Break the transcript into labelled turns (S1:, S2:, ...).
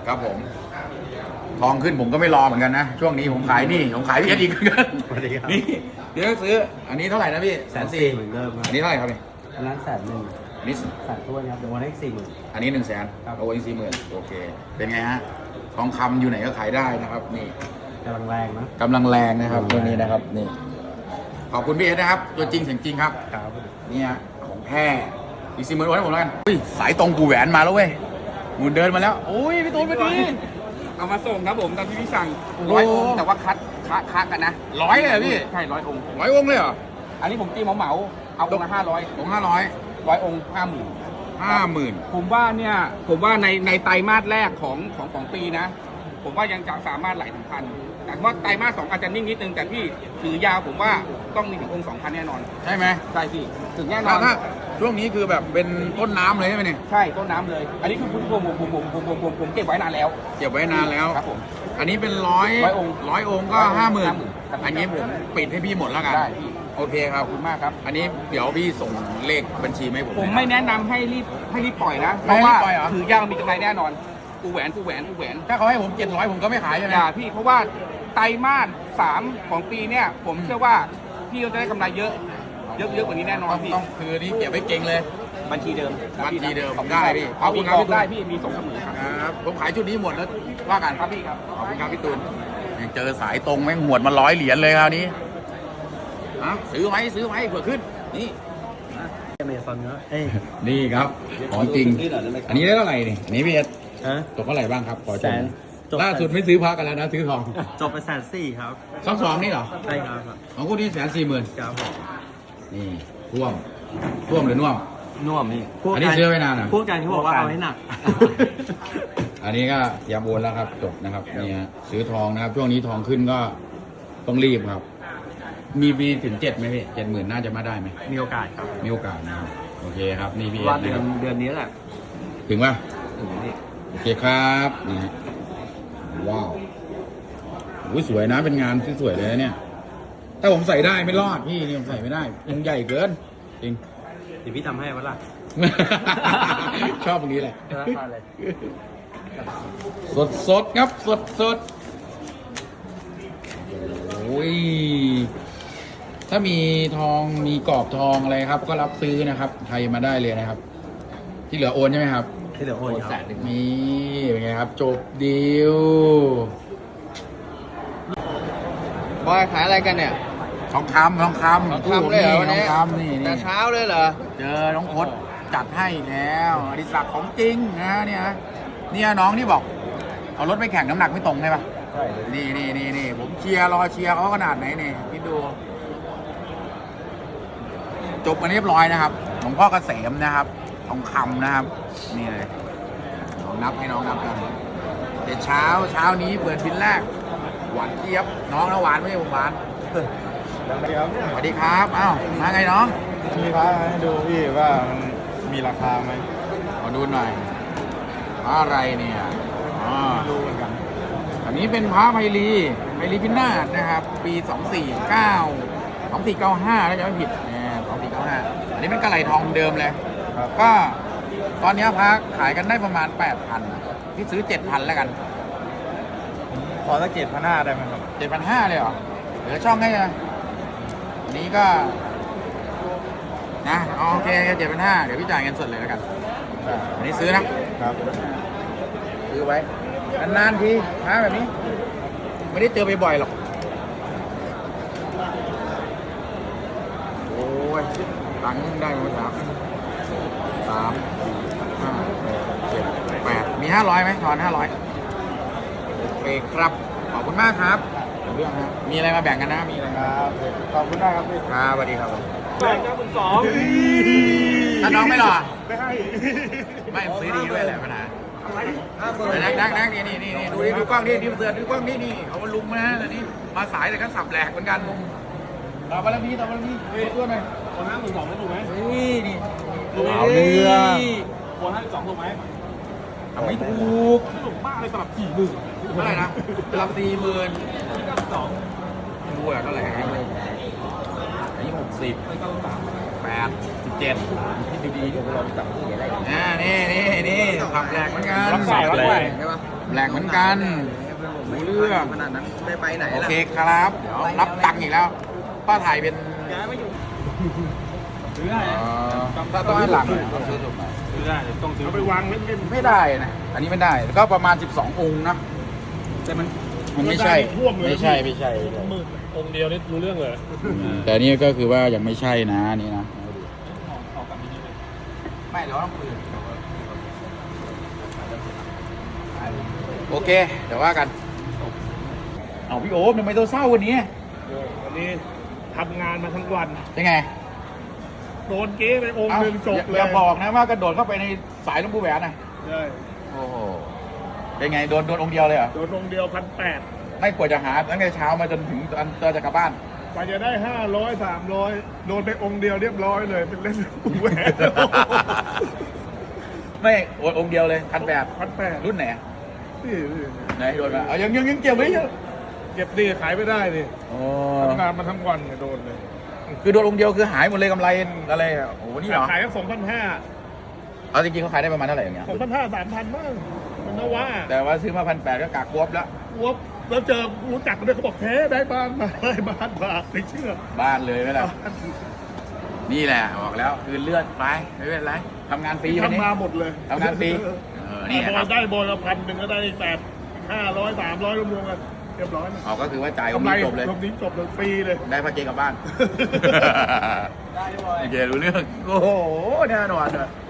S1: ครับผมทองขึ้นผมก็ไม่รอเหมือนกันนะช่วงนี้ผมขายนี่ผมขายพี่เอ็ดอีกเหมือนกัน
S2: สวัสดีครับ
S1: นี่เดี๋ยวซื้ออันนี้เท่าไหร่นะพี่
S2: 140,000เหมือนเดิมครับ
S1: อันนี้เท่าไหร่ครับนี่
S2: อันนั้น100,000
S1: อันนี้
S2: แสนถ้วนครับเดี๋ยววันให้40,000
S1: อันนี้100,000
S2: ครับ
S1: เอาไว้40,000โอเคเป็นไงฮะทองคำอยู่ไหนก็ขายได้นะครับนี่
S2: กำลังแรงนะ
S1: กำลังแรงนะครับตัวนี้นะครับนี่ขอบคุณพี่เอ็ดนะครับตัวจริงเสียงจริงครับ
S2: ครับ
S1: เนี่ยของแท้อีก40,000โอนให้ผมแล้วกันอุ้ยสายตรงกูแหวนมาแล้วเว้ยมูนเดินมาแล้วโอ้ยพี่ตูนมาดี
S3: เอามาส่งครับผมตามที่พี่สั่ง
S1: โอ้
S3: 100 องค์แต่ว่าคัดกันนะ
S1: 100เลยเหรอพี่
S3: ใช่100 องค์
S1: 100 องค์เลยเหรอ
S3: อันนี้ผมตีเหมาๆเอาองค์ละ500
S1: ผม500
S3: 100 องค์ 50,000
S1: 50,000
S3: ผมว่าเนี่ยผมว่าในไตรมาสแรกของปีนะ ผมว่ายังจะสามารถไหลถึงพันแต่ว่าไตรมาส 2อาจจะนิ่งนิดนึงแต่พี่ถือยาวผมว่าต้องมีถึงองค์ 2,000 แน่นอน
S1: ใช่ไหม
S3: ใช่พี่ถึงแน่นอ
S1: ถ้าน ถ้าช่วงนี้คือแบบเป็นต้นน้ำเลยใช่ไหมเนี่ย
S3: ใช่ต้นน้ำเลย อันนี้คือผมเก็บไว้นานแล้ว
S1: เก็บไว้นานแล้ว
S3: ครับผม
S1: อันนี้เป็นร้อย
S3: 100 องค์
S1: องค์ก็
S3: 100
S1: 50,000
S3: ครับ
S1: อันนี้ผมปิดให้พี่หมดแล้วกัน
S3: ได้พี่
S1: โอเคครับ
S3: ขอบคุณมากครับ
S1: อันนี้เดี๋ยวพี่ส่งเลขบัญชีมาให้ผม
S3: ผม
S1: นะ
S3: ไม่แนะนำให้รีบปล่อยนะ เพ
S1: ไม่
S3: ราะ
S1: ให้รี
S3: ว่า
S1: บปล่อยเหรอ
S3: ถือยาวมีกำไรแน่นอนกูแหวน
S1: ถ้าเขาให้ผม700ผมก็ไม่ขายใช่ไหม
S3: อย่าพี่เพราะว่าไตรมาส 3ของปีเนี่ยผมเชื่อว่าพี่จะได้กำไรเยอะกว่านี้แน่นอนพี่
S1: ต้องคือนี่เก็บไว้เก่งเลย
S3: บัญชีเดิม
S1: บัญชีเดิม
S3: ขอบคุณ
S1: ได้พี่
S3: เอา
S1: ขอบคุ
S3: พี่
S1: ณครับ
S3: บอ
S1: พี่
S3: ก
S1: ตูน
S3: ได้พี่มีส่งเสมอครับ
S1: ครับผมขายชุดนี้หมดแล้วว่ากัน
S3: ครับพี่ครับ
S1: ขอบคุณครับพี่ตูนยังเจอสายตรงแม่งหวดมา100 เหรียญเลยคราวนี้ซื้อไว้เผื่อขึ้นนี่
S2: อเมซอนเนาะเอ้ย
S1: นี่ครับของจริง อันนี้ได้เท่าไหร่นี่อันนี้พี่เอ็ด
S2: ฮะ
S1: ตกเท่าไหร่บ้างครับขอช
S2: แส
S1: ม
S2: นจบ
S1: ล่าสุดไม่ซื้อพักกันแล้วนะซื้อทอง
S2: จบไป140,000ครับ
S1: 2นี่เหรอ
S2: ใช่ครับ
S1: ของคุณนี่140,000
S2: ครับผม
S1: นี่ท่วมหรือน่วม
S2: น่วมนี่
S1: อันนี้ซื้อไว้นานอ่ะ
S2: พูดกันเขาบอกว่าเอาให้หนัก
S1: อันนี้ก็เตรียมโอนแล้วครับจบนะครับนี่ฮะซื้อทองนะครับช่วงนี้ทองขึ้นก็ต้องรีบครับ มีถึง7ไหมพี่70,000น่าจะมาได้ไหม
S2: มีโอกาสครับ
S1: มีโอกาสนะครับโอเคครับนี่พี่
S2: ว่า
S1: เอ็ด
S2: เดื
S1: นะครับ
S2: อนนี้แหละ
S1: ถึงป่ะ
S2: ถึงนี่
S1: โอเคครับนี่ฮะว้าวอุ้ยสวยนะเป็นงานที่สวยเลยนะเนี่ยถ้าผมใส่ได้ไม่รอดพี่นี่ผมใส่ไม่ได้ยังใหญ่เกินจริง
S2: เดี๋ยวพี่ทำให้วะล่ะ
S1: ชอบตรงนี้แหละ
S2: ราคาเลย
S1: สดครับสดโอ้ยถ้ามีทองมีกรอบทองอะไรครับ ก็รับซื้อนะครับไทยมาได้เลยนะครับ ที่เหลือโอนใช่ไหมครับ
S2: ที่เหลือโอนครับ
S1: นี่เป็นไงครับ จบดีล
S3: บอยขายอะไรกันเนี่ย
S1: ทองคำ
S3: ทองคำเลยเหรอวันนี้
S1: ทองคำนี่
S3: แต่เช้าเลยเหรอ
S1: เจอน้องพศจัดให้แล้วอดิศักดิ์ของจริงนะเนี่ยน้องที่บอกเอารถไปแข่งน้ำหนักไม่ตรงใช่ปะ
S2: ใช่
S1: นี่ผมรอเชียร์เขาขนาดไหนนี่คิดดู จบกันเรียบร้อยนะครับหลวงพ่อเกษมนะครับทองคำนะครับ นี่เลยน้องนับให้น้องนับกันเดี๋ยวเช้านี้เปิดบินแรก หวานเจี๊ยบน้องนะหวานไม่ใช่ผมหวานสวัสดีครับอ้าวมาไงน้อง
S4: มีพระให้ดูพี่ว่ามันมีราคาไหม
S1: ขอดูหน่อยพระอะไรเนี่ยอ๋อ
S4: ดูเหมือนกัน
S1: อันนี้เป็นพระไพลีพินาศนะครับ ปี 2495ถ้าจะไม่ผิดเนี่ย2495อันนี้เป็นกระไหลทองเดิมเลย
S4: ครับ
S1: ก็ตอนนี้พระขายกันได้ประมาณ 8,000พี่ซื้อ 7,000แล้วกัน
S4: ขอสัก7,500ได้ไหมครับ
S1: 7,500เลยเหรอเหลือช่องให้นะอันนี้ก็นะโอเค7,500เดี๋ยวพี่จ่ายเงินสดเลยแล้วกัน อันนี้ซื้อนะ
S4: ครับ
S1: ซื้อไว้นานๆทีช้าแบบนี้ ไม่ได้เจอบ่อยๆหรอก โอ้ยตังค์ได้มา3 5 7 8มี500ไหมทอน500โอเคครับ ขอบคุณมากครับเรื่องฮะมีอะไรมาแบ่งกันนะมีอะไร
S4: ครับขอบคุณมากครับพี่
S1: ครับสวัสดีครับ
S3: แบ่งกันสอง
S1: ถ้าน้องไม่หรอ
S4: ไม่ให้
S1: ไม่ซื้อดีด้วยแหละปัญหานั่งนี่ดูกล้องนี่ดูกล้องนี่เอามาลุมนะแต่นี่มาสายแต่ก็สับแหลกเหมือนกันต่อไปแล้วพี่ตัวหน่อย
S3: คน52ไม่ถูกไหม
S1: นี่
S4: เอาเรื่อง
S3: คน52ถูกไหม
S1: ทำไม่ถูก
S3: ถูกมากเลยสำหรับ40,000
S1: เท่าไหร่นะรับ40,000
S3: 92
S1: ดูอะเท่าไหร่อันนี้60 8 17คิดดีๆดูเราจับที่ไหนได้นี่ขับแหลกเหมือนกัน
S3: รับใส่ใช่ปะ
S1: แหลกเหมือนกันรู้เรื่อง
S2: ขนาดนั้นไม่ไปไหน
S1: โอ
S2: ล่ะ
S1: เคครับ เดี๋ยวรับตังค์อีกแล้ว ป้าถ่ายเป็น
S2: ย้ายมาอยู่
S3: ซื้อได้
S1: ถ้าต้องให้หลังเนี่ยต้องซื้อถูกไหม
S2: ซื้อได้ต้องซื้อ
S3: เอาไปวางเล่น
S1: ไม่ได้นะ อันนี้ไม่ได้ ก็ประมาณ 12 องค์นะ
S3: ๆแต่มัน
S1: มันไม่ใช่ ไม่ใช่ ไม่ใช่
S4: มือองค์เดียวนี่รู้เรื่องเลย
S1: แต่นี่ก็คือว่ายังไม่ใช่นะนี่นะ ไม่เดี๋ยวต้องคุยโอเค เดี๋ยวว่ากัน เอาพี่โอ๊บทำไมตัวเศร้าวันนี้
S4: วันนี้ทำงานมาทั้งวัน
S1: เป็นไง
S4: โดนเก๊ไปองค์หนึ่งจบเลย
S1: อย่าบอกนะว่ากระโดดเข้าไปในสายหลวงปู่แหวนนะ
S4: ใช่
S1: โอ้โห เป็นไง โดนองค์เดียวเลยเหรอ
S4: โดนองค์เดียว1,800
S1: ไม่กว่าจะหาตั้งแต่เช้ามาจนถึงตอนเจอจะกลับบ้าน
S4: กว่าจะได้500 300โดนไปองค์เดียวเรียบร้อยเลยเป็นเล่นแหวน
S1: ไม่องค์เดียวเลย1,800
S4: 1,800
S1: รุ่นไหนอะ
S4: นี่
S1: ไหนโดนมาเอายังเก็บไว้เยอะ
S4: เก็บดีขายไม่ได้ดิ
S1: โอ้
S4: ทำงานมาทั้งวันเนี่ยโดนเลย
S1: คือโดนองค์เดียวคือหายหมดเลยกำไรอะไรอะโอ้โหนี่เหรอ
S4: ขายกัน2,500
S1: เอาจริงๆเขาขายได้ประมาณเท่าไหร่อย่างเงี้ย
S4: 2,500 3,000บ้างมันนะว่า
S1: แต่ว่าซื้อมา1,800ก็กากกวบแล้ว
S4: วัวแล้วเจอรู้จักกันด้วยเขาบอกแท้ได้บ้านมาได้บ้านมาไม่เชื่อ
S1: บ้านเลยไหมล่ะ นี่แหละบอกแล้วคือเลือดไปไม่เป็นไรทำงานฟรีวันนี้
S4: ทำมาหมดเลย
S1: ทำงานฟรีนี่
S4: บ
S1: ค
S4: อ
S1: รั
S4: ล
S1: บ
S4: ได้บอลละ1,000ก็ได้500 300รวมๆกันเรียบร้อย
S1: เอาก็คือว่าจ่ายอง
S4: กำ
S1: ค์
S4: ไร
S1: นี้จบเลย
S4: รวมนี้จบเลยฟรีเลย
S1: ได้พระเจกลับบ้านโอเครู้เรื่องโอ้โหแน่นอนเลย